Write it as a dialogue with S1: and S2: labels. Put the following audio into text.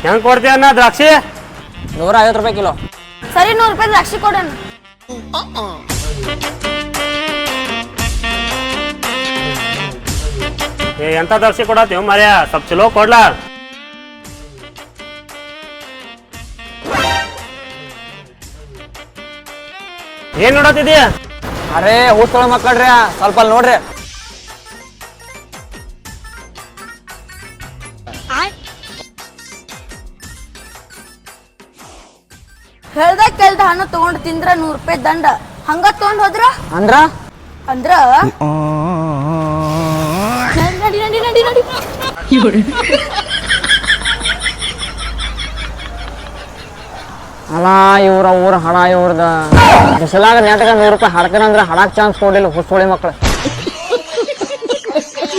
S1: ಹೆಂಗ್ ಕೊಡ್ತೀಯನ್ನ ದ್ರಾಕ್ಷಿ?
S2: 150 ರೂಪಾಯಿ ಕಿಲೋ.
S3: ಸರಿ 100 ರೂಪಾಯಿ ದ್ರಾಕ್ಷಿ ಕೊಡೋಣ.
S1: ಎಂತ ದ್ರಾಕ್ಷಿ ಕೊಡತ್ತೀವ್ ಮಾರ್ಯ, ಸ್ವಲ್ಪ ಚಲೋ ಕೊಡ್ಲಾ? ಏನ್ ನೋಡತ್ತಿದೀಯ?
S2: ಅರೇ ಊಸ್ಕೊಳ ಮಕ್ಕಳ್ರಿ, ಸ್ವಲ್ಪ ಅಲ್ಲಿ ನೋಡ್ರಿ.
S3: ಹೇಳ್ದ ಕೇಳ್ದ ಹಣ್ಣು ತಗೊಂಡ್ ತಿಂದ್ರ 100 ರೂಪಾಯಿ ದಂಡ. ಹಂಗ ತಗೊಂಡ್ ಹೋದ್ರ
S2: ಅಂದ್ರ
S3: ಅಂದ್ರ ನಡಿ ನಡಿ ನಡಿ ನಡಿ.
S2: ಅಲ್ಲ ಇವ್ರ ಊರ ಹಣ ಇವ್ರದ ಬಿಸಲಾಗ ನೆಟ್ಗ 100 ರೂಪಾಯಿ ಹಾಡ್ತಾನಂದ್ರ ಹಡಾಕ್ ಚಾನ್ಸ್ ಕೊಡ್ಲಿಲ್ಲ ಹುಸ್ಸೋಳಿ ಮಕ್ಳು.